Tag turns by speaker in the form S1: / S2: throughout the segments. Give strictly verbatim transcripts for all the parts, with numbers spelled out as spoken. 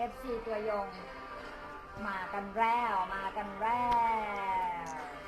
S1: ฟ ซี ตัวยงมากันแล้วมากันแล้ว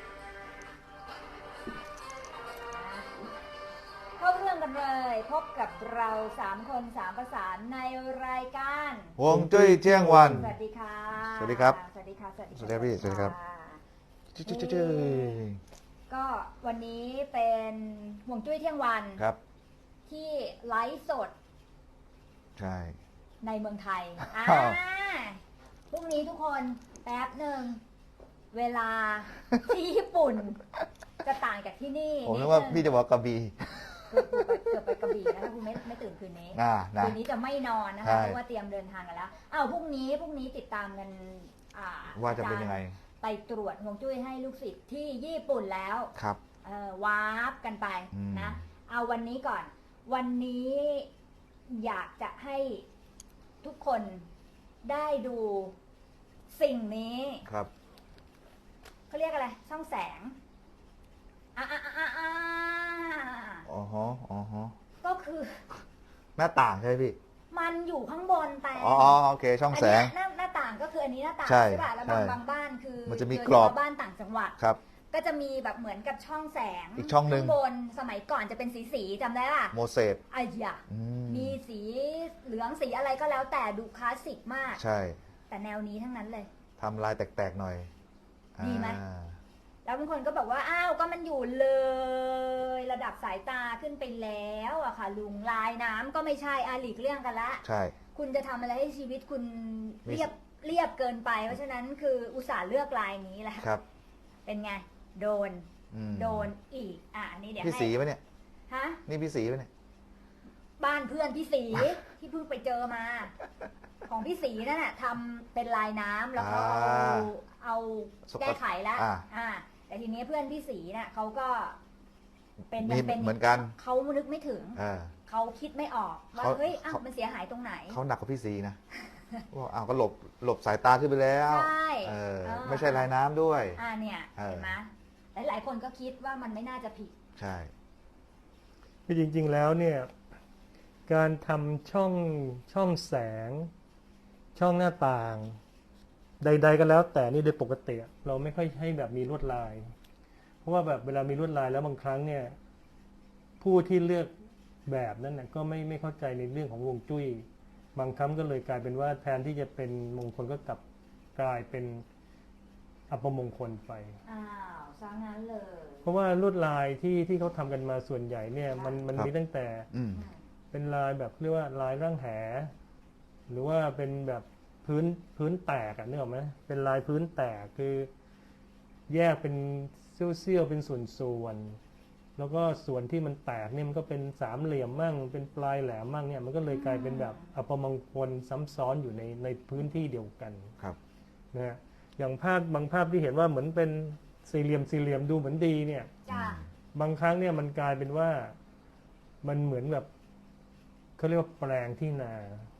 S1: เข้าเรื่องกันเลยพบกับเราสามคนสามประสานในรายการ
S2: ฮวงจุ้ยเที่ยงวัน
S1: สวัสดีค่ะ
S2: สวัสดีครับ
S1: สวัสดีค่ะสวัสดี
S2: สวัสดีพี่สวัสดีครับจุ้ยจุ้ยจุ้ย
S1: ก็วันนี้เป็นฮวงจุ้ยเที่ยงวัน
S2: ครับ
S1: ที่ไลฟ์สด
S2: ใช่
S1: ในเมืองไทยอ่าพรุ่งนี้ทุกคนแป๊บหนึ่งเวลาที่ญี่ปุ่นจะต่างจากที่นี่
S2: ผมนึกว่าพี่จะบอกกระบี่
S1: เกือบไปเกือบไปกระบี่นะคะคุณไม่ไม่ตื่นคืนนี้คืนนี้จะไม่นอนนะคะเพราะว่าเตรียมเดินทางกันแล้วอ้าวพรุ่งนี้พรุ่งนี้ติดตามกัน
S2: ว่าจะเป็นยังไง
S1: ไปตรวจฮวงจุ้ยให้ลูกศิษย์ที่ญี่ปุ่นแล้ว
S2: ครับ
S1: วาร์ปกันไปนะเอาวันนี้ก่อนวันนี้อยากจะให้ทุกคนได้ดูสิ่งนี้
S2: ครับ
S1: เขาเรียกอะไรช่องแสงอ่าอ่าอ่าอ่า
S2: อ๋อฮะอ๋อฮะ
S1: ก็คือ
S2: หน้าต่างใช่ไหมพี่
S1: มันอยู่ข้างบนแต่
S2: อ๋อโอเคช่องแสง
S1: หน้าหน้าต่างก็คืออันนี้หน้าต่าง
S2: ใช่
S1: ป่ะแล้วบางบางบ้านคือ
S2: มันจะมีกรอบ
S1: บ้านต่างจังหวัด
S2: ครับ
S1: ก็จะมีแบบเหมือนกับช่องแสง
S2: อีกช่องหนึ่ง
S1: ข้างบนสมัยก่อนจะเป็นสีสีจำได้ป่ะ
S2: โมเสส
S1: ไอ้ยะมีสีเหลืองสีอะไรก็แล้วแต่ดูคลาสสิกมาก
S2: ใช่
S1: แต่แนวนี้ทั้งนั้นเลย
S2: ทำลายแตกๆหน่อย
S1: ดีไหมแล้วบางคนก็บอกว่าอ้าวก็มันอยู่เลยระดับสายตาขึ้นไปแล้วอะค่ะลุงลายน้ำก็ไม่ใช่อาหลีกเรื่องกันละ
S2: ใช่
S1: คุณจะทำอะไรให้ชีวิตคุณเรียบเรียบเกินไปเพราะฉะนั้นคืออุตส่าห์เลือกลายนี้แหละ
S2: ครับ
S1: เป็นไงโดนโดนอีกอ่ะนี่เดี๋ยว
S2: พี่สีปะเนี่ย
S1: ฮะ
S2: นี่พี่สีปะเนี่ย
S1: บ้านเพื่อนพี่สีที่เพิ่งไปเจอมาของพี่สีนั่นแหละทำเป็นลายน้ำแล้วก็เอาเอาแก้ไขแล้วอ่าแต่ทีนี้เพื่อนพี่สีน่ะเขาก็เป็นยังเป็น
S2: เหมือนกัน
S1: เขานึกไม่ถึงเขาคิดไม่ออกว่าเฮ้ยอ้าวมันเสียหายตรงไหน
S2: เขาหนักกว่าพี่สีนะว่าอ้าวก็หลบหลบสายตาขึ้นไปแล้ว
S1: ใช่
S2: ไม่ใช่ลายน้ำด้วย
S1: อ่าเนี่ยเห็นไหมหลายหลายคนก็คิดว่ามันไม่น่าจะผิด
S2: ใช่
S3: คือจริงๆแล้วเนี่ยการทำช่องช่องแสงช่องหน้าต่างใดๆก็แล้วแต่นี่โดยปกติเราไม่ค่อยให้แบบมีลวดลายเพราะว่าแบบเวลามีลวดลายแล้วบางครั้งเนี่ยผู้ที่เลือกแบบนั้นนะก็ไม่ไม่เข้าใจในเรื่องของฮวงจุ้ยบางครั้งก็เลยกลายเป็นว่าแทนที่จะเป็นมงคลก็กลับกลายเป็นอัปมงคลไป
S1: อ้าวซะงั้นเลย
S3: เพราะว่าลวดลายที่ที่เขาทำกันมาส่วนใหญ่เนี่ยมันมันมีตั้งแต่เป็นลายแบบเรียกว่าลายร่างแหหรือว่าเป็นแบบพื้นพื้นแตกอ่ะนึกออกไหมเป็นลายพื้นแตกคือแยกเป็นเสี้ยวๆเป็นส่วนๆแล้วก็ส่วนที่มันแตกเนี่ยมันก็เป็นสามเหลี่ยมมั่งเป็นปลายแหลมมั่งเนี่ยมันก็เลยกลายเป็นแบบอัปมงคลซ้ำซ้อนอยู่ในในพื้นที่เดียวกัน
S2: ครับ
S3: นะฮะอย่างภาพบางภาพที่เห็นว่าเหมือนเป็นสี่เหลี่ยมสี่เหลี่ยมดูเหมือนดีเนี่ยบางครั้งเนี่ยมันกลายเป็นว่ามันเหมือนแบบเขาเรียกว่าแปลงที่นา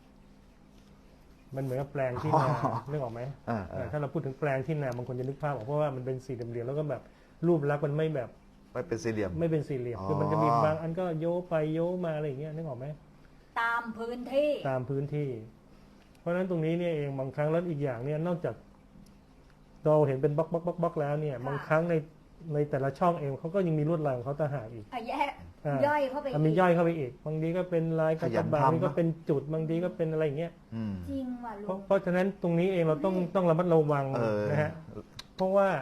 S3: มันเหมือนกับแปลงที่นานึกออกไหมถ้าเราพูดถึงแปลงที่นาบางคนจะนึกภาพออกเพราะว่ามันเป็นสี่เหลี่ยมแล้วก็แบบรูปลักษณ์มันไม่แบบ
S2: ไม่เป็นสี่เหลี่ยม
S3: ไม่เป็นสี่เหลี่ยมคือมันจะมีบางอันก็โยไปโยมาอะไรอย่างเงี้ยนึกออกไหม
S1: ตามพื้นที่
S3: ตามพื้นที่เพราะฉะนั้นตรงนี้เนี่ยเองบางครั้งแล้วอีกอย่างเนี่ยนอกจากเราเห็นเป็นบล็อกบล็อกบล็อกบล็อกแล้วเนี่ยบางครั้งในในแต่ละช่องเองเขาก็ยังมีลวดลายของเขาต่างหากอีก
S1: แยกย่อยเข้าไป
S3: มีย่อยเข้าไปอีกบางทีก็เป็นลายกระจับบางทีก็เป็นจุดบางทีก็เป็นอะไรอย่างเงี้ย
S1: จริงว่ะลุง
S3: เพราะฉะนั้นตรงนี้เองเราต้องต้องระมัดระวังนะฮะเพราะว่า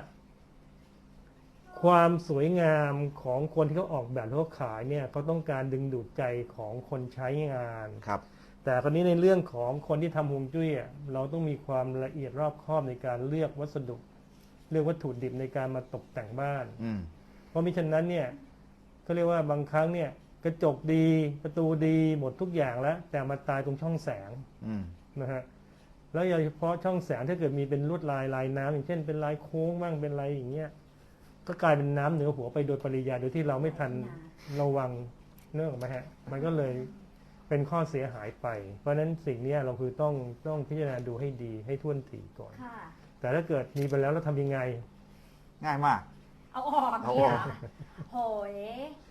S3: ความสวยงามของคนที่เขาออกแบบเขาขายเนี่ยเขาต้องการดึงดูดใจของคนใช้งาน
S2: ครับ
S3: แต่คราวนี้ในเรื่องของคนที่ทำฮวงจุ้ยเราต้องมีความละเอียดรอบคอบในการเลือกวัสดุเลือกวัตถุดิบในการมาตกแต่งบ้านเพราะมิฉะนั้นเนี่ยก็เรียกว่าบางครั้งเนี่ยกระจกดีประตูดีหมดทุกอย่างแล้วแต่มาตายตรงช่องแสงนะฮะแล้วโดยเฉพาะช่องแสงถ้าเกิดมีเป็นลวดลายลายน้ำอย่างเช่นเป็นลายโค้งบ้างเป็นลายอย่างเงี้ยก็กลายเป็นน้ำเหนือหัวไปโดยปริยายโดยที่เราไม่ทันระวังเนื่องไหมฮะมันก็เลยเป็นข้อเสียหายไปเพราะฉะนั้นสิ่งนี้เราคือต้องต้องพิจารณาดูให้ดีให้ท่วนถี่ก่อนแต่ถ้าเกิดมีไปแล้วเราทำยังไง
S2: ง่ายมาก
S1: เอาออกเอาออกโหย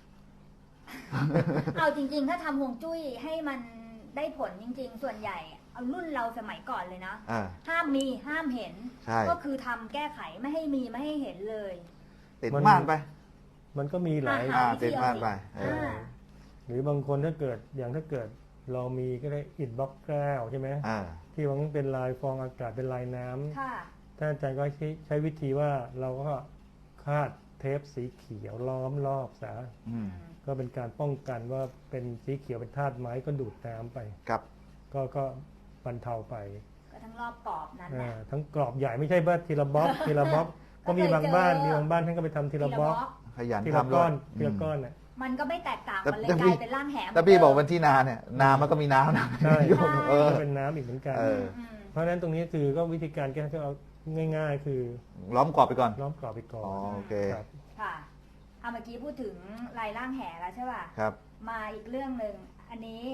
S1: เอาจริงๆถ้าทำฮวงจุ้ยให้มันได้ผลจริงๆส่วนใหญ่เอารุ่นเราสมัยก่อนเลยนะ
S2: อ่า
S1: ห้ามมีห้ามเห็น
S2: ใช่
S1: ก็คือทำแก้ไขไม่ให้มีไม่ให้เห็นเลย
S2: ติด
S3: มัน
S2: ม่านไป
S3: มันก็มีหลาย
S1: อ่า
S2: อ่าติดม่านไปเออ
S1: อ่า
S3: หรือบางคนถ้าเกิดอย่างถ้าเกิดเรามีก็ได้อิฐบล็อกแก้วใช่ไหม
S2: อ่า
S3: ที่มันเป็นลายฟองอากาศเป็นลายน้ำ
S1: ค่ะ
S3: ท่านอาจารย์ก็ใช้ใช้วิธีว่าเราก็คาดเทปสีเขียวล้อมรอบซะ
S2: อืม
S3: ก็เป็นการป้องกันว่าเป็นสีเขียวเป็นธาตุไม้ก็ดูดน้ำไป
S2: ครับ
S3: ก็ก็บรรเทาไป
S1: ก็ทั้งรอบกรอบนั้น
S3: อ่า
S1: นะ
S3: ทั้งกรอบใหญ่ไม่ใช่บ้านทีละบล็อกทีละบล็อกก็มีบางบ้านมีบางบ้านท่านก็ไปทำทีละบล็อก
S2: ขยัน
S3: ทีละ
S2: ทำด้
S3: ก้
S2: ว
S3: อย นทีละก้อนน่ะ
S1: มันก็ไม่แตกต่าง
S2: แต่
S1: มันเลย
S2: แต่
S1: ก
S2: พี่
S1: ลายเป็นร่างแหม
S2: แต่พี่บอกวันที่นาเนี่ยนามันก็มีน้ำนะ
S3: ใช่
S2: โยมเออ
S3: ก็เป็นน้ำอีกเหมือนกัน
S2: เออ
S1: อืม
S3: เพราะฉะนั้นตรงนี้คือก็วิธีการแก้ก็เอาง่าย ๆ คือ
S2: ล้อมกรอบไปก่อน
S3: ล้อมกรอบไปก่อ
S2: อ๋อน โอเค
S3: ครับ
S1: ค่ะเอาเมื่อกี้พูดถึงลายร่างแหแล้วใช่ป่ะ
S2: ครับ
S1: มาอีกเรื่องหนึ่งอันนี้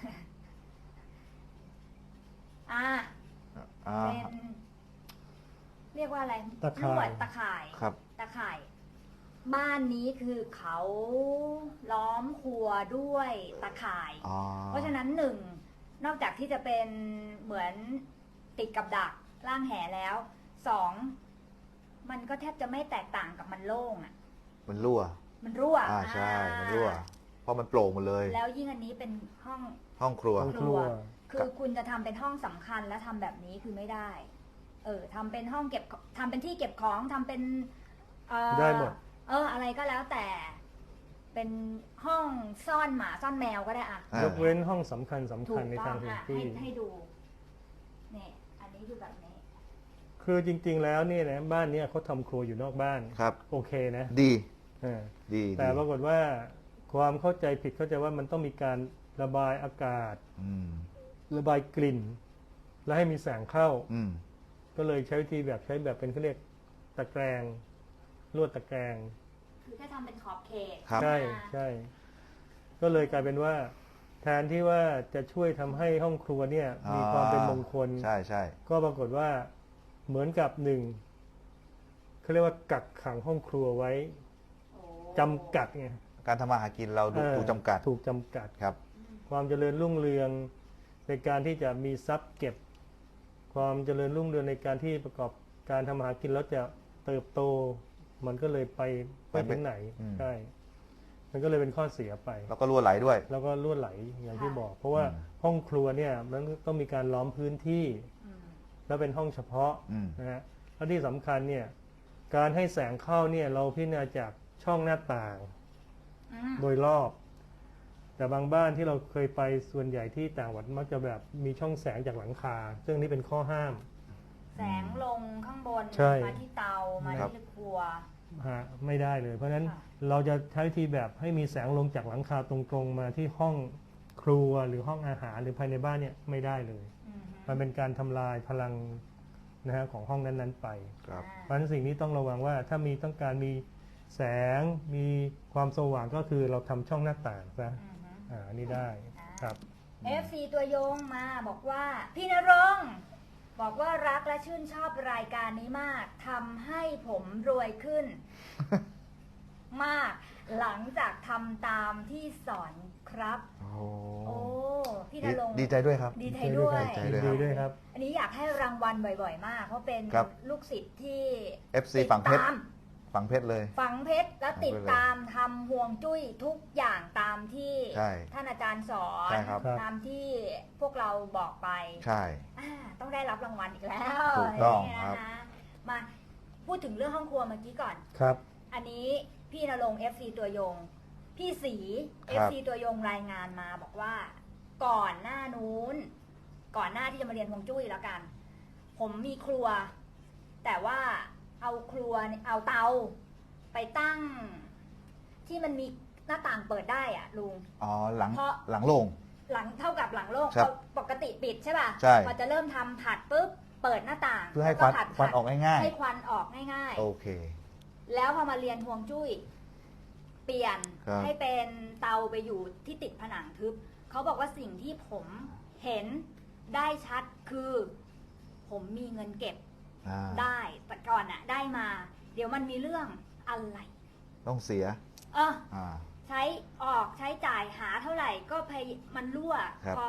S1: อ่า
S2: อ่า
S1: เป็น เรียกว่าอะไร
S3: ตะข่าย
S1: ลวดตะข่าย
S2: ครับ
S1: ตะข่าย บ้านนี้คือเขาล้อมครัวด้วยตะข่าย
S2: อ๋อ
S1: เพราะฉะนั้นหนึ่งนอกจากที่จะเป็นเหมือนติดกับดักร่างแหแล้วสองมันก็แทบจะไม่แตกต่างกับมันโล่งอ่ะ
S2: มันรั่ว
S1: มันรั่ว
S2: อ่าใช่
S1: อ่า
S2: มันรั่ว เพราะมันโปร่งหมดเลย
S1: แล้วยิ่งอันนี้เป็นห้อง
S2: ห้องครัว
S3: ห้องครัว
S1: คือคุณจะทำเป็นห้องสำคัญแล้วทำแบบนี้คือไม่ได้ เออทำเป็นห้องเก็บทำเป็นที่เก็บของทำเป็นเอ่อ
S3: ได้หมด
S1: เออ อะไรก็แล้วแต่ เป็นห้องซ่อนหมาซ่อนแมวก็ได้อะ
S2: อ่า
S3: ยกเว้นห้องสำคัญสำ
S1: ถู
S3: คัญ
S1: ก
S3: ใน
S1: ต้อ
S3: ทาง งฮวง
S1: อ่ะ
S3: จุ้
S1: ให้
S3: ย
S1: ให้ดูเนี่ยอันนี้คือแบบนี้
S3: คือจริง ๆ แล้วเนี่ยนะบ้านเนี้เขาทำครัวอยู่นอกบ้าน
S2: ครับ
S3: โอเคนะ
S2: ดี
S3: เออ
S2: ดี
S3: แต่ป
S2: ดี
S3: รากฏว่าความเข้าใจผิดเข้าใจว่ามันต้องมีการระบายอากาศ
S2: อืม
S3: ระบายกลิ่น และให้มีแสงเข้า
S2: อืม
S3: ก็เลยใช้วิธีแบบใช้แบบเป็นเขาเรียกตะแกรงลวดตะแกรง
S1: คือถ้าทำเป็นขอบเขต
S2: ครับ
S3: ใช่
S1: อ่า
S3: ใช่ ก็เลยกลายเป็นว่า แทนที่ว่าจะช่วยทำให้ห้องครัวเนี่ยมีความเป็นมงคล
S2: ใช่ใช่
S3: ก็ปรากฏว่าเหมือนกับหนึ่งเขาเรียกว่ากักขังห้องครัวไว้
S1: โอ้
S3: จำกัดไง
S2: การทำมาหากินเราดู
S3: เออ
S2: ถูกจำกัด
S3: ถูกจำกัด
S2: ครับ
S3: ความเจริญรุ่งเรืองในการที่จะมีทรัพย์เก็บ ความเจริญรุ่งเรืองในการที่ประกอบการทำมาหากินแล้วจะเติบโต มันก็เลยไปไม่ถึงไหน
S2: อืม
S3: ใช่มันก็เลยเป็นข้อเสียไป
S2: แล้วก็รั่วไหลด้วย
S3: แล้วก็ลวดไหลอย่างที่บอก เพราะว่า
S2: อืม
S3: ห้องครัวเนี่ยมันต้องมีการล้อมพื้นที่
S1: อืม
S3: แล้วเป็นห้องเฉพาะ
S2: อืม
S3: นะฮะแล้วที่สำคัญเนี่ยการให้แสงเข้าเนี่ยเราพิจารณาจากช่องหน้าต่าง
S1: อืม
S3: โดยรอบ แต่บางบ้านที่เราเคยไปส่วนใหญ่ที่ต่างจังหวัดมักจะแบบมีช่องแสงจากหลังคา ซึ่งนี่เป็นข้อห้าม
S1: แสงลงข้างบน
S3: ใช่
S1: มาที่เตามา
S2: ครับ
S1: ที่ครัว
S3: ฮะไม่ได้เลย เพราะฉะนั้น
S1: ค่ะ
S3: เราจะใช้วิธีแบบให้มีแสงลงจากหลังคาตรงๆมาที่ห้องครัวหรือห้องอาหารหรือภายในบ้านเนี่ยไม่ได้เลย
S1: อืม
S3: มันเป็นการทำลายพลังนะฮะของห้องนั้นๆไป
S2: ครับ
S3: เพราะฉะนั้นสิ่งนี้ต้องระวังว่าถ้ามีต้องการมีแสงมีความสว่างก็คือเราทำช่องหน้าต่างซะ
S1: อืม
S3: อ่าอันนี้ได้ครับ
S1: เอฟซีตัวยงมาบอกว่า พี่นรงค์บอกว่ารักและชื่นชอบรายการนี้มากทำให้ผมรวยขึ้น มาก หลังจากทำตามที่สอนครับ
S2: โอ้
S1: โอ้พี่น
S2: ดี
S1: รงค์
S2: ดีใจด้วยครับ
S1: ดีใจด้วย
S2: ดีใจด้วย
S3: ดีด้วยครับ
S1: อันนี้อยากให้รางวัลบ่อยๆ มาก เพราะเป็น
S2: ครับ
S1: ลูกศิษย์ที่
S2: เอฟซี
S1: ติด
S2: ฝั่งเพชร
S1: ตาม
S2: ฝั่งเพชรเลย
S1: ฝังเพชรและติดตามทำห่วงจุ้ยทุกอย่างตามที่
S2: ใช่
S1: ท่านอาจารย์สอน
S2: ใช่ครับ
S3: ครับ
S1: ตามที่พวกเราบอกไป
S2: ใช่
S1: อ่าต้องได้รับรางวัลอีกแล้ว
S2: ถูกต้อง
S1: นี่
S2: ครั
S1: นะ
S2: บ
S1: คะมาพูดถึงเรื่องห้องครัวเมื่อกี้ก่อน
S3: ครับ
S1: อันนี้พี่นรงค์ เอฟ ซี ตัวยง พี่สี
S2: ค
S1: เอ
S2: รั
S1: ฟ
S2: บ
S1: ซี ตัวยงรายงานมาบอกว่า ก่อนหน้านู้น ก่อนหน้าที่จะมาเรียนฮวงจุ้ยแล้วกัน ผมมีครัว แต่ว่าเอาครัวเอาเตา ไปตั้ง ที่มันมีหน้าต่างเปิดได้อะลุง
S2: อ๋อหลัง
S1: เพราะ
S2: หลังโล่ง
S1: หลังเท่ากับหลังโล่ง
S2: ครับ
S1: ปกติปิดใช่ป่ะ
S2: ใช่
S1: พอจะเริ่มทำผัดปุ๊บเปิดหน้าต่าง
S2: เพื่อให้ควัน
S1: แล้ก็ผัด
S2: ควันออกง่าย
S1: ให้ควันออกง่าย
S2: ๆ โอเค
S1: ๆ แล้วพอมาเรียนฮวงจุ้ย เปลี่ยน
S2: ครับ
S1: ให้เป็นเตาไปอยู่ที่ติดผนังทึบเขาบอกว่าสิ่งที่ผมเห็นได้ชัดคือ ผมมีเงินเก็บ
S2: อ่า
S1: ได้แต่ก่อนอะได้มา เดี๋ยวมันมีเรื่องอะไร
S2: ต้องเสีย
S1: เออ
S2: อ่า
S1: ใช้ออกใช้จ่ายหาเท่าไหร่ก็พยมันรั่ว
S2: ครับ
S1: พอ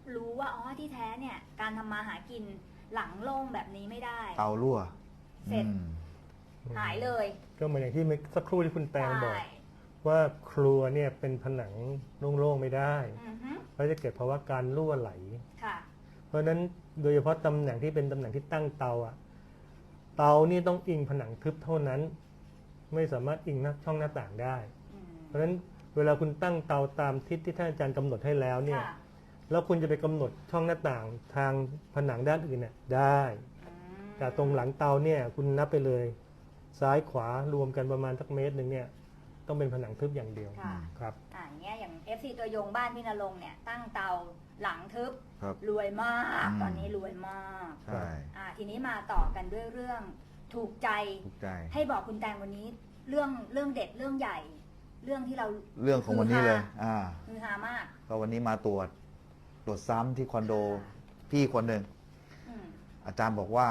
S1: รู้ว่าอ๋อที่แท้เนี่ยการทำมาหากินหลังโล่งแบบนี้ไม่ได้
S2: เตารั่ว
S1: เสร็จ
S2: อืม
S1: หายเลย
S3: ก็เหมือนอย่างที่เมื่อสักครู่ที่คุณแตงบอก
S1: ใช่
S3: ว่าครัวเนี่ยเป็นผนังโล่งๆไม่ได้
S1: อือฮึ
S3: เพราะจะเกิดภาวะการรั่วไหล
S1: ค่ะ
S3: เพราะฉะนั้นโดยเฉพาะตำแหน่งที่เป็นตำแหน่งที่ตั้งเตาอะเตานี่ต้องอิงผนังทึบเท่านั้น ไม่สามารถอิงหน้าช่องหน้าต่างได้
S1: อืม
S3: เพราะฉะนั้นเวลาคุณตั้งเตาตามทิศที่ท่านอาจารย์กำหนดให้แล้วเนี่ย
S1: ค่ะ
S3: แล้วคุณจะไปกำหนดช่องหน้าต่างทางผนังด้านอื่นเนี่ยได้
S1: อืม
S3: แต่ตรงหลังเตาเนี่ยคุณนับไปเลย ซ้ายขวารวมกันประมาณสักเมตรหนึ่งเนี่ยต้องเป็นผนังทึบอย่างเดียว
S1: ค่ะ
S3: ครับ
S1: อ่าอย่างเงี้ยอย่าง เอฟ ซี ตัวยงบ้านพี่นรงค์เนี่ยตั้งเตาหลังทึบ
S2: ครับ
S1: รวยมาก
S2: อืม
S1: ตอนนี้รวยมาก
S2: ใช่
S1: อ่าทีนี้มาต่อกันด้วยเรื่องถูกใจ
S2: ถูกใจ
S1: ให้บอกคุณแตงวันนี้เรื่องเรื่องเด็ดเรื่องใหญ่ เรื่องที่เรา
S2: เรื่องของวันนี้เลย อ่า
S1: ฮือฮามาก
S2: ก็วันนี้มาตรวจ ตรวจซ้ำที่คอนโด พี่คนหนึ่ง
S1: อืม
S2: อาจารย์บอกว่า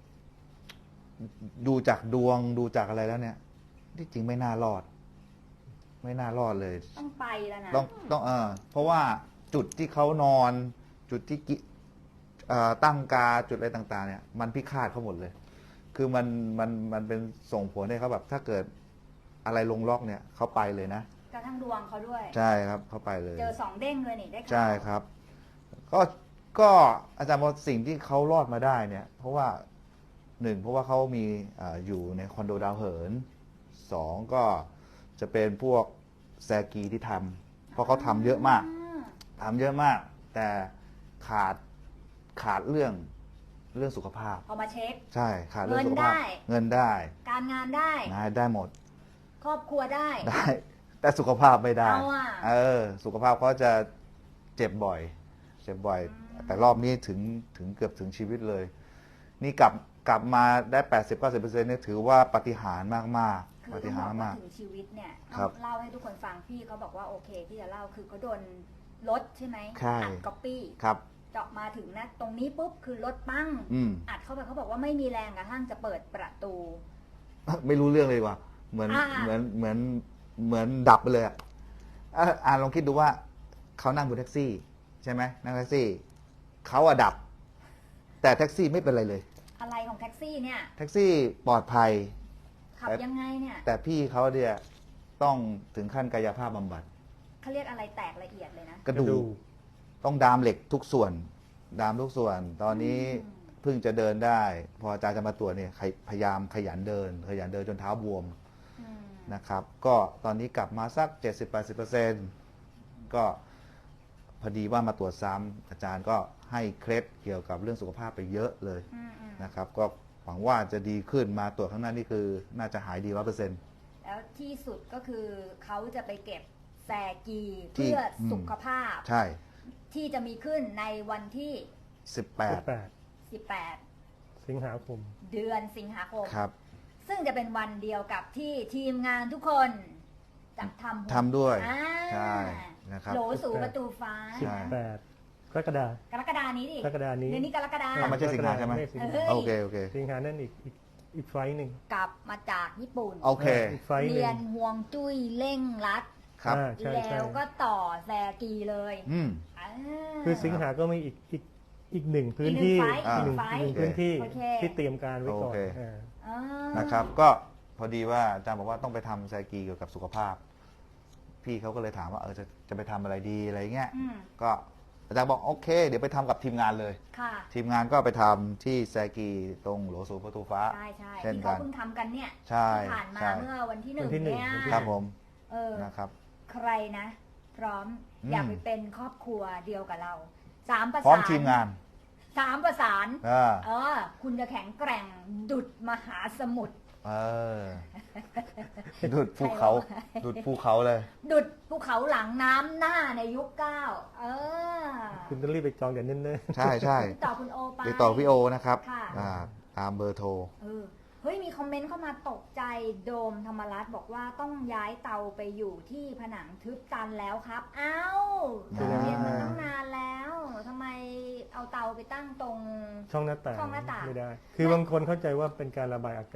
S2: ดูจากดวงดูจากอะไรแล้วเนี่ย ที่จริงไม่น่ารอด ไม่น่ารอดเลย
S1: ต้องไปแล้วนะ
S2: ต้องต้องเออเพราะว่าจุดที่เขานอน จุดที่กิเอ่อตั้งกาจุดอะไรต่าง ๆ เนี่ย มันพิฆาตเขาหมดเลย คือมันมันมันเป็นส่งผลให้เขาแบบ ถ้าเกิดอะไรลงล็อกเนี่ยเขาไปเลยนะ
S1: กระทั่งดวงเขาด้วย
S2: ใช่ครับเขาไปเลย
S1: เจอสองเด้งเลยนี่ได้ข่าว
S2: ใช่ครับ ก็ก็อาจารย์บอกสิ่งที่เขารอดมาได้เนี่ย เพราะว่าหนึ่งเพราะว่าเขามีอาอยู่ในคอนโดดาวเหินสองก็จะเป็นพวกแซกีที่ทำเพราะเขาทำเยอะมาก
S1: อ่า
S2: ทำเยอะมาก แต่ขาดขาดเรื่องเรื่องสุขภาพ
S1: พอมาเช็ค
S2: ใช่ขาดเรื่องสุขภาพ
S1: เงินได้
S2: เงินได้
S1: การงานได้
S2: งานได้หมด
S1: ครอบครัวได้
S2: ได้ แต่สุขภาพไม่ได้
S1: เอาอะ
S2: เออ สุขภาพเขาจะเจ็บบ่อย เจ็บบ่อย แต่รอบนี้ถึงถึงเกือบถึงชีวิตเลย นี่กลับกลับมาได้ แปดสิบถึงเก้าสิบเปอร์เซ็นต์ เนี่ยถือว่าปาฏิหาริย์มาก
S1: คือ
S2: ๆปา
S1: ต้
S2: ฏิ
S1: อง
S2: หา
S1: บอ
S2: ริ
S1: ก
S2: ย์
S1: ว่า
S2: มาก
S1: ถึงชีวิตเนี่ย
S2: ครับ
S1: เล่าให้ทุกคนฟังพี่เขาบอกว่าโอเคที่จะเล่าคือเขาโดนรถใช่ไหม
S2: ใช่
S1: อัดก๊อปปี้
S2: ครับ
S1: เจาะมาถึงนะตรงนี้ปุ๊บคือรถปั้ง
S2: อืม
S1: อัดเข้าไปเขาบอกว่าไม่มีแรงกระทั่งจะเปิดประตู
S2: ไม่รู้เรื่องเลยว่ะเหมือน
S1: อ่า
S2: เหมือนเหมือนเหมือนดับไปเลยอะอ่ะอ่านลองคิดดูว่าเขานั่งบนแท็กซี่ ใช่ไหมนั่งแท็กซี่เขาอะดับ แต่แท็กซี่ไม่เป็นไรเลย
S1: อะไรของแท็กซี่เนี่ย
S2: แท็กซี่ปลอดภัย
S1: ขับยังไงเนี่ย
S2: แต่พี่เขาเนี่ยต้องถึงขั้นกายภาพบำบัด
S1: เขาเรียกอะไรแตกละเอียดเลยนะ
S2: กระดูกต้องดามเหล็กทุกส่วน ดามทุกส่วน ตอนนี้
S1: อืม
S2: เพิ่งจะเดินได้ พออาจารย์จะมาตรวจเนี่ยพยายามขยันเดิน ขยันเดินจนเท้าบวม
S1: อืม
S2: นะครับ ก็ตอนนี้กลับมาสัก เจ็ดสิบถึงแปดสิบเปอร์เซ็นต์ ก็พอดีว่ามาตรวจซ้ำอาจารย์ก็ให้เคล็ดเกี่ยวกับเรื่องสุขภาพไปเยอะเลย
S1: อืมอืม
S2: นะครับ ก็หวังว่าจะดีขึ้นมาตรวจข้างหน้านี่คือ น่าจะหายดีร้อยเปอร์เซ็นต์
S1: แล้วที่สุดก็คือเขาจะไปเก็บแซกี
S2: ที่
S1: เพื่ออ
S2: ม
S1: สุขภาพ
S2: ใช่
S1: ที่จะมีขึ้นในวันที่
S2: สิบแปด
S3: แปด
S1: สิบแปด
S3: สิงหาคม
S1: เดือนสิงหาคม
S2: ครับ
S1: ซึ่งจะเป็นวันเดียวกับที่ทีมงานทุกคนจะทำ
S2: ทำด้วย
S1: อ่า
S2: ใช่นะครับ
S1: โหลสู่ประตูฟ้า
S2: ใช่
S3: แปดกรกฎาก
S1: รกฎานี้ดิ
S3: กรกฎานี้
S1: เดือนนี้กรกฎา
S2: อ่ะไม่ใช่สิงหาใช่ไหม
S3: ไม่สิง
S1: เอ
S3: หา
S1: อ
S2: โอเค โอเค
S3: สิงหานั่นอีกอีกอีกไฟล์หนึ่ง
S1: กลับมาจากญี่ปุ่น
S2: โอเค
S3: อีกไฟล์หนึ่
S1: เรีย
S3: ง
S1: นห่วงจุ้ยเร่งรัด
S2: ครับ
S3: อ่าใช่ใช่
S1: แล้วก็ต่อแซกีเลย
S2: อืม
S1: อ่า
S3: คือสิงหาก็มีอีกอีกอีกหนึ่งพื้นที่
S1: อีกหนึ่งไฟล์
S3: อีกหนึ่ง
S1: อีกหนึ่งไฟล์
S3: อีกหนึ่งพื้นที่
S1: โอเค
S3: ที่เตรียมการไว้ก่อน
S2: โอเค
S3: อ่า
S1: อ่า
S2: นะครับ ก็พอดีว่าอาจารย์บอกว่าต้องไปทำไซกีเกี่ยวกับสุขภาพ พี่เขาก็เลยถามว่าเออจะจะไปทำอะไรดีอะไรเงี้ย
S1: อืม
S2: ก็อาจารย์บอกโอเค เดี๋ยวไปทำกับทีมงานเลย
S1: ค่ะ
S2: ทีมงานก็ไปทำที่ไซกีตรงหลวงสู่ประตูฟ้า
S1: ใช่ใช่
S2: เช่น
S1: ที่
S2: กั
S1: เขา
S2: น
S1: เพิ่งทำกันเนี่ย
S2: ใช่
S1: ที่ผ่านมา
S2: ใช่
S1: เมื่อวันที่หนึ่ง
S3: วันที่หนึ่ง
S1: เนี่ย
S3: วันที่
S2: ครับผม
S1: เออ
S2: นะครับ
S1: ใครนะ พร้อม
S2: อืม
S1: อยากไปเป็นครอบครัวเดียวกับเราสามประ
S2: พร้อม
S1: สาน
S2: ทีมงาน
S1: สามประสาน
S2: อ่า
S1: เออ คุณจะแข็งแกร่งดุดมหาสมุทร
S2: เออดุดภูเขา
S1: ใครวะ
S2: ดุดภูเขาเลย
S1: ดุดภูเขาหลังน้ำหน้าในยุคเก้าเออ
S3: คุณต้องรีบไปจองเดี๋ยวเนิ่น
S2: ใช่ใช่
S1: ติดต่อคุณโอไป
S2: ติดต่อพี่โอนะครับ
S1: ค่ะ
S2: อ่าตามเบอร์โทร
S1: เออเฮ้ยมีคอมเมนต์เข้ามาตกใจโดมธรรมรัตน์บอกว่าต้องย้ายเตาไปอยู่ที่ผนังทึบตันแล้วครับ เอ้า
S2: อ่า
S1: เรียนมาตั้งนานแล้วทำไมเอาเตาไปตั้งตรง
S3: ๆช่องหน้าต่าง
S1: ช่องหน้าต่าง
S3: ไม่ได้ คือบางคนเข้าใจว่าเป็นการระบายอากาศ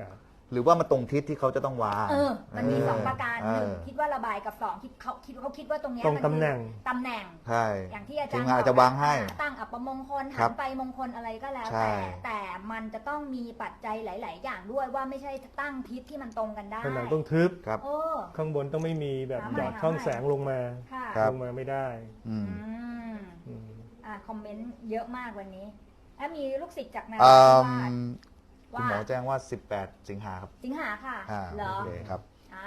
S2: หรือว่ามันตรงทิศที่เขาจะต้องวาง
S1: เออ มันมีสองประการ
S2: เออ
S1: หนึ่งคิดว่าระบายกับสองคิดเขาคิดเขาคิดว่าตรงเนี้ย
S3: ตรง
S1: มัน
S3: ตำแหน่ง
S1: คือตำแหน่ง
S2: ใช่
S1: อย่างที่อาจาร
S2: ที
S1: ย์
S2: มงานอาจจะวางให้
S1: อ่ตั้งอัปมงคล
S2: ครั
S1: หั
S2: บ
S1: นไปมงคลอะไรก็แล้ว
S2: ใช่
S1: แต่แต่มันจะต้องมีปัจจัยหลาย ๆ อย่างด้วยว่าไม่ใช่ตั้งทิศที่มันตรงกันได้
S3: ผนังต้องทึบ
S2: ครับ
S1: โอ้
S3: ข้างบนต้องไม่มีแบบ
S1: หา
S3: ห
S1: ใหม่
S3: ยอด
S1: หา
S3: ช่อง
S1: ใหม่
S3: แสงลงมา
S1: ค่ะ
S2: ครับ
S3: ลงมาไม่ได้
S2: อืม
S1: อืม
S3: อืม
S1: อ่าคอมเมนต์เยอะมากวันนี้แล้วมีลูกศิษย์จากนา
S2: เอิ่
S1: ราธิ
S2: ม
S1: วาส
S2: คุณหมอแจ้งว่า สิบแปด สิงหาครับ
S1: สิงหาค่ะ
S2: อ่า
S1: เหรอ
S2: โอเคครับ
S1: อ้าว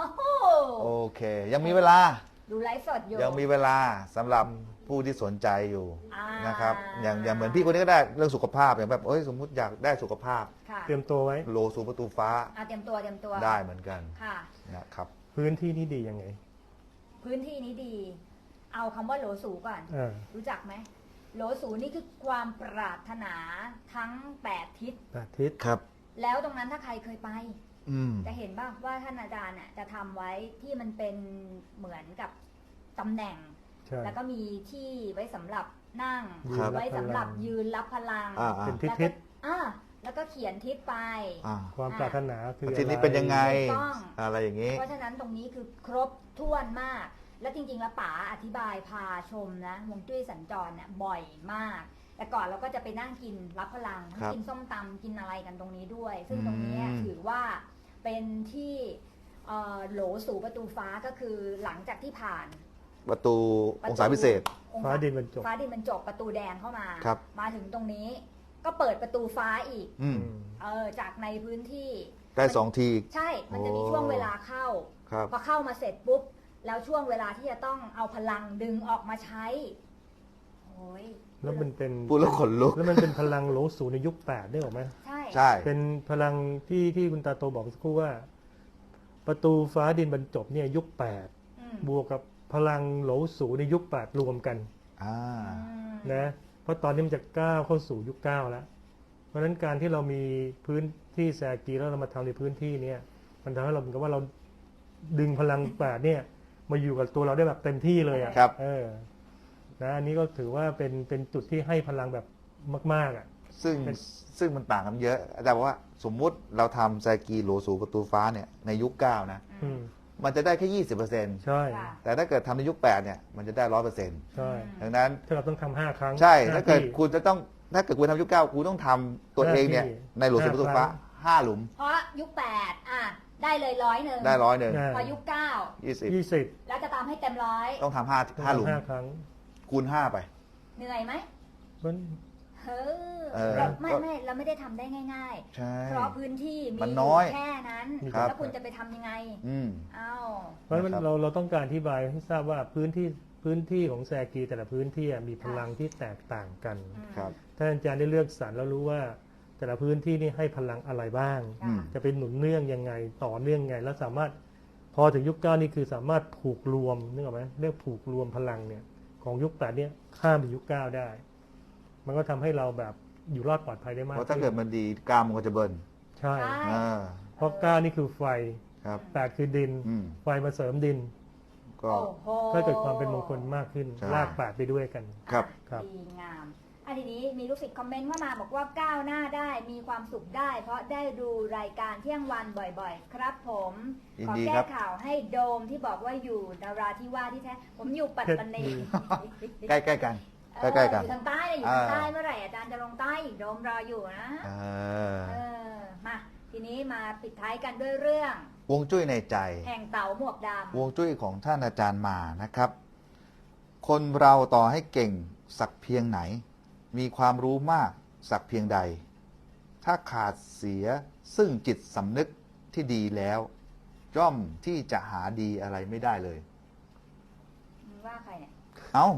S2: โอเค ยังมีเวลา
S1: ดูไลฟ์สดอยู่
S2: ยังมีเวลาสำหรับผู้ที่สนใจอยู่
S1: อ่า
S2: นะครับ อย่างอย่างเหมือนพี่คนนี้ก็ได้เรื่องสุขภาพอย่างแบบเอ้ยสมมุติอยากได้สุขภาพ
S1: ค่ะ
S3: เตรียมตัวไว้
S2: โลสูประตูฟ้า
S1: อ่าเตรียมตัวเตรียมตัว
S2: ได้เหมือนกัน
S1: ค่ะ
S2: นะครับ
S3: พื้นที่นี่ดียังไง
S1: พื้นที่นี้ดี เอาคำว่าโหลสูก่อน
S3: อ่า
S1: รู้จักไหมโหลสูนี่คือความปรารถนาทั้งแปดทิศ
S3: อาทิตย์
S2: ครับ
S1: แล้วตรงนั้นถ้าใครเคยไป
S2: อืม
S1: จะเห็นบ้างว่าท่านอาจารย์น่ะจะทำไว้ที่มันเป็นเหมือนกับตำแหน่ง
S3: ใช่
S1: แล้วก็มีที่ไว้สำหรับนั่ง
S2: ครับ
S1: ไว้สำหรับยืนรับพลัง
S2: อ่า
S3: เป็นทิศ
S1: แล้ว
S3: ทิ
S1: ก็
S3: ศ
S1: อ่าแล้วก็เขียนทิศไป
S2: อ่า
S3: ความปรารถนาคือ
S2: อาทิตย์นี้
S3: อะไร
S2: เป็นยังไง
S1: ถูกต้อง
S2: อะไรอย่างนี้
S1: เพราะฉะนั้นตรงนี้คือครบถ้วนมาก และจริงๆ แล้วป๋าอธิบายพาชมนะฮวงจุ้ยสัญจรเนี่ยบ่อยมาก แต่ก่อนเราก็จะไปนั่งกินรับพลัง
S2: ครับ
S1: กินส้มตำกินอะไรกันตรงนี้ด้วย ซึ่งตรงนี้
S2: อืม
S1: ถือว่าเป็นที่เอ่อโหลสู่ประตูฟ้าก็คือหลังจากที่ผ่าน
S2: ประตูองศาพิเศษ
S1: องศ
S3: ฟ้าดินบรรจบ
S1: ฟ้าดินบรรจบประตูแดงเข้ามา
S2: ครับ
S1: มาถึงตรงนี้ก็เปิดประตูฟ้าอีก
S2: อืม
S3: อืม
S1: เออจากในพื้นที่
S2: ได้สองที
S1: ใช่ มันจะมี
S2: โอ้
S1: ช่วงเวลาเข้า
S2: ครับ
S1: พอเข้ามาเสร็จปุ๊บ แล้วช่วงเวลาที่จะต้องเอาพลังดึงออกมาใช้โอ้ย
S3: แล้วมันเป็น
S2: พูดแล้วขนลุก
S3: แล้วมันเป็นพลังโหลสูในยุคแปดได้หรอไหม
S1: ใช่
S2: ใช่
S3: เป็นพลังที่ที่คุณตาโตบอกสักครู่ว่า ประตูฟ้าดินบรรจบเนี่ยยุคแปด
S1: อืม
S3: บวกกับพลังโหลสูในยุคแปดรวมกัน
S2: อ่า
S1: อืม
S3: นะเพราะตอนนี้มันจะก้าวเข้าสู่ยุคเก้าแล้ว เพราะฉะนั้นการที่เรามีพื้นที่แซกีแล้วเรามาทำในพื้นที่เนี่ยมันทำให้เราเหมือนกับว่าเราดึงพลังแปดเนี่ยมาอยู่กับตัวเราได้แบบเต็มที่เลยอ่ะ
S2: ครับ
S3: เออนะอันนี้ก็ถือว่าเป็นเป็นจุดที่ให้พลังแบบมากๆอ่ะ
S2: ซึ่ง
S3: เป็น
S2: ซึ่งมันต่างกันเยอะ อาจารย์บอกว่าสมมุติเราทำไซกีโหลสูประตูฟ้าเนี่ยในยุคเก้านะ
S3: อืม
S2: มันจะได้แค่ยี่สิบเปอร์เซ็นต์
S3: ใช่
S1: ค่ะ
S2: แต่ถ้าเกิดทำในยุคแปดเนี่ยมันจะได้ร้อยเปอร์เซ็นต์
S3: ใช่
S2: ดังนั้น
S3: ถ้าเราต้องทำห้าครั้ง
S2: ใช่
S3: ห้
S2: ถ้าเกิด
S3: ที่
S2: คุณจะต้องถ้าเกิดคุณทำยุคเก้าคุณต้องทำตัวเองเนี่ย
S3: ห้าที่
S2: ในโหลสูประตูฟ้า
S3: ห้าครั้ง
S2: ห้าหลุม
S1: เพราะยุคแปดอ่ะได้เลยร้อยหนึ่ง
S2: ได้ร้อยหนึ่ง
S3: อ่า
S1: พอยุคเก้า
S2: ยี่สิบ
S3: ยี่สิบ
S1: แล้วจะตามให้เต็มร้อย
S2: ต้องทำห้า
S3: ต้อง
S2: ห้าหลุม
S3: ทำห้าครั้ง
S2: คูณห้าไป
S1: เหนื่อยไหม
S3: มัน
S1: เฮ้อ
S2: เออ
S1: เราไม่ไม่เราไม่ได้ทำได้ง่าย
S2: ใช่
S1: ๆ เพราะพื้นที่มี
S2: มันน้อย
S1: แค่นั้น
S2: ครับ
S1: แล้วคุณจะไปทำยังไง
S2: อืม
S1: เอ้า
S3: เพราะฉะนั้น
S2: นะครับ
S3: เราเราต้องการอธิบายให้ทราบว่าพื้นที่พื้นที่ของแซกีแต่ละพื้นที่อะมีพลังที่แตกต่างกัน
S1: อืม
S2: ครับ
S3: ถ้าอาจารย์ได้เลือกสรรแล้วรู้ว่า แต่ละพื้นที่นี่ให้พลังอะไรบ้าง
S1: ค่ะ
S2: อืม
S3: จะเป็นหนุนเนื่องยังไงต่อเนื่องไง แล้วสามารถพอถึงยุคเก้านี่คือสามารถผูกรวมนึกออกไหมเรียกผูกรวมพลังเนี่ยของยุคแปดเนี่ยข้ามไปยุคเก้าได้ มันก็ทำให้เราแบบอยู่รอดปลอดภัยได้มาก
S2: เพราะถ้าเกิดมันดีกล้ามมันก็จะเบิร์น
S3: ใช่
S1: ใช่
S2: อ่า
S3: เพราะเก้านี่คือไฟ
S2: ครับ
S3: แปดคือดิน
S2: อืม
S3: ไฟมาเสริมดิน
S2: ก็
S1: โอ้โห
S3: ก็เกิดความเป็นมงคลมากขึ้น
S2: ใช่
S3: ลากแปดไปด้วยกัน
S2: ครับ
S3: ครับ
S1: ดีงามอันทีนี้มีลูกศิษย์คอมเมนต์เข้ามาบอกว่าก้าวหน้าได้มีความสุขได้ เพราะได้ดูรายการเที่ยงวันบ่อยๆ ครับผม
S2: ยิน
S1: ขอ
S2: ดี
S1: แก้
S2: ครับ
S1: ข่าวให้โดมที่บอกว่าอยู่นาราธิวาสที่แท้ผมอยู่ปัตตานี
S2: ใกล้ใกล้ๆกัน
S1: เออ
S2: ใกล้ๆกัน
S1: อยู่ทางใต้เลยอยู่ทางใต้
S2: อ่า
S1: เมื่อไหร่อาจารย์จะลงใต้อีกโดมรออยู่นะ
S2: เออ
S1: เออมาทีนี้มาปิดท้ายกันด้วยเรื่อง
S2: วงจุ้ยในใจ
S1: แห่งเต่าหมวกด
S2: วงจุ้ยของท่านอาจารย์มานะครับ คนเราต่อให้เก่งสักเพียงไหน มีความรู้มากสักเพียงใด ถ้าขาดเสียซึ่งจิตสำนึกที่ดีแล้ว ย่อมที่จะหาดีอะไรไม่ได้เลย
S1: ำมึงว่าใครเนี่ย
S2: เอ้า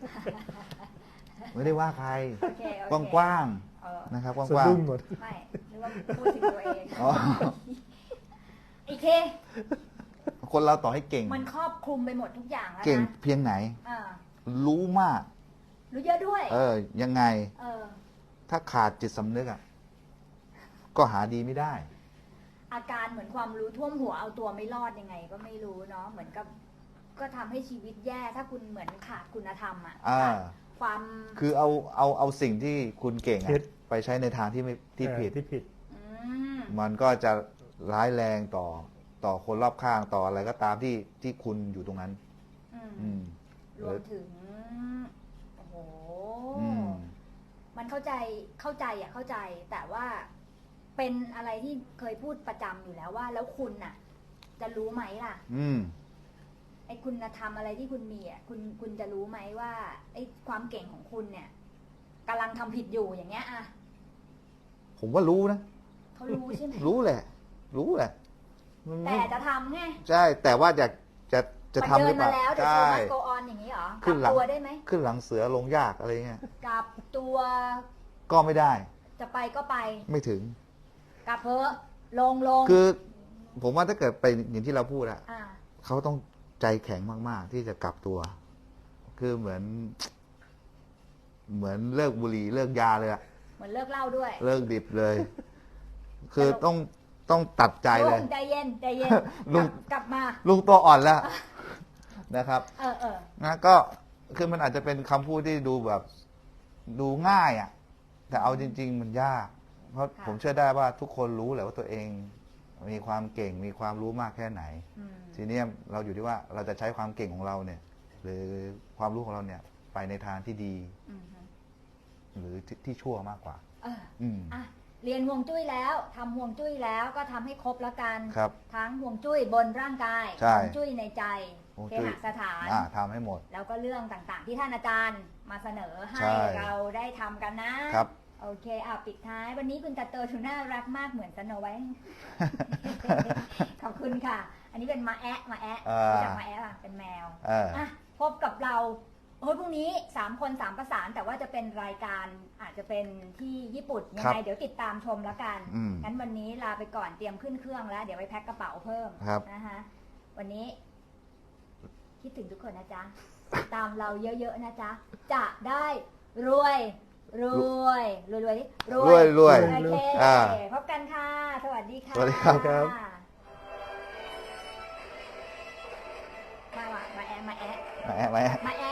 S2: ไม่ได้ว่าใคร
S1: โอเคโอเค
S2: กว้าง
S1: เออ
S2: ๆนะครับก
S3: สะ
S2: ว้าง
S3: ดุ้งหมด
S1: ไม่หรือว่าพูดถึงตัวเอง
S2: ๆอ๋อ
S1: อีกที
S2: คนเราต่อให้เก่ง
S1: มันครอบคลุมไปหมดทุกอย่างแล้วนะ
S2: เก่งเพียงไหน
S1: อ่า
S2: รู้มาก
S1: รู้เยอะด้วย
S2: เออ ยังไง
S1: เออ
S2: ถ้าขาดจิตสำนึกอ่ะ ก็หาดีไม่ได้
S1: อาการเหมือนความรู้ท่วมหัวเอาตัวไม่รอดยังไง ก็ไม่รู้เนาะเหมือนกับ ก็ทำให้ชีวิตแย่ถ้าคุณเหมือนขาดคุณธรรมอ่ะ
S2: อ่า
S1: ขาดความ
S2: คือเอาเอาเอาสิ่งที่คุณเก่ง
S3: ผิ
S2: อะ
S3: ด
S2: ไปใช้ในทางที่ไม่ที่
S3: เออ
S2: ผิด
S3: ที่ผิด
S1: อืม
S2: มันก็จะร้ายแรงต่อต่อคนรอบข้างต่ออะไรก็ตามที่ที่คุณอยู่ตรงนั้น
S1: อืม
S2: อืม
S1: รวมถึงโอ้โห
S2: อืม
S1: มันเข้าใจเข้าใจอ่ะเข้าใจ แต่ว่าเป็นอะไรที่เคยพูดประจำอยู่แล้วว่า แล้วคุณน่ะ จะรู้ไหมล่ะ
S2: อืม
S1: ไอ้คุณธรรมอะไรที่คุณมีอ่ะคุณคุณจะรู้ไหมว่าไอ้ความเก่งของคุณเนี่ยกำลังทำผิดอยู่อย่างเงี้ยอ่ะ
S2: ผมว่ารู้นะ
S1: เขารู้ใช่ไหม
S2: รู้แหละ รู้แหละมัน
S1: แต่
S2: ไม่
S1: จะทำไง
S2: ใช่ แต่ว่าอยากจะจะ
S1: มัน
S2: ทำห
S1: เดิ
S2: รื
S1: น
S2: อเป
S1: มา
S2: ล่า
S1: แล้วเดี๋ยว
S2: ใช่
S1: โชว์มัสโกออนอย่างนี้เหรอก
S2: ขึ้
S1: ลั
S2: น
S1: บ
S2: หลัง
S1: ตัวได้ไหม
S2: ขึ้นหลังเสือลงยากอะไรเงี้ย
S1: กลับตัว
S2: ก็ไม่ได้
S1: จะไปก็ไป
S2: ไม่ถึง
S1: กลับเพอะลงลง
S2: คือ ผมว่าถ้าเกิดไปอย่างที่เราพูดอะ
S1: อ่า
S2: เขาต้องใจแข็งมากๆ ที่จะกลับตัว คือเหมือน เหมือนเลิกบุหรี่เลิกยาเลยอะ
S1: เหมือนเลิกเหล่าด้วย
S2: เลิกดิบเลย คือต้องต้องตัดใจเลย
S1: ลุงใจเย็นใจเย็น
S2: ลุง
S1: กลับกลับมา
S2: ลุงตัวอ่อนแล้วนะครับ
S1: เออเออ
S2: นะก็คือมันอาจจะเป็นคำพูดที่ดูแบบดูง่ายอะ่ะ แต่เอาจริง ๆ มันยาก เพราะผมเชื่อได้ว่าทุกคนรู้แหละว่าตัวเอง มีความเก่งมีความรู้มากแค่ไหน
S1: อืม
S2: ทีนี้เราอยู่ที่ว่าเราจะใช้ความเก่งของเราเนี่ย หรือความรู้ของเราเนี่ย ไปในทางที่ดี
S1: อืมฮึ
S2: หรือที่ที่ชั่วมากกว่า
S1: เออ
S2: อืม
S1: อ่ะเรียนห่วงจุ้ยแล้วทำห่วงจุ้ยแล้วก็ทำให้ครบแล้วกัน
S2: ครับ
S1: ทั้งห่วงจุ้ยบนร่างกาย
S2: ใช่
S1: ห่วงจุ้ยในใจ
S2: ห่วง
S1: เค
S2: จุ้ย
S1: หสถาน
S2: อ่าทำให้หมด
S1: แล้วก็เรื่องต่างๆ ที่ท่านอาจารย์มาเสนอให้
S2: ใช่
S1: เราได้ทำกันนะ
S2: ครับ
S1: โอเคอ่ะปิดท้าย วันนี้คุณตาโตทูน่ารักมากเหมือนสโนไว้ ขอบคุณค่ะ อันนี้เป็นมาแอะมาแอะ
S2: อ่ารู้
S1: รู้จักมาแอะป่ะเป็นแมว
S2: เออ
S1: อ่ะพบกับเราโอ้ยพรุ่งนี้สามคนสามประสาน แต่ว่าจะเป็นรายการอาจจะเป็นที่ญี่ปุ่นยังไงเดี๋ยวติดตามชมแล้วกัน
S2: อืม
S1: งั้นวันนี้ลาไปก่อนเตรียมขึ้นเครื่องแล้ว เดี๋ยวไปแพ็คกระเป๋าเพิ่ม
S2: ครับ
S1: นะคะวันนี้ คิดถึงทุกคนนะจ๊ะ ตามเราเยอะๆนะจ๊ะ จะได้รวยรวยรวยรวยดิ
S2: รวยรวย
S1: โอเค
S2: อ่า
S1: พบกันค่ะ สวัสดีค่ะ
S2: สวัสดีครับ
S1: มาว่ะมาแอะมาแอะ
S2: มาแอะมาแอะ
S1: มาแอะ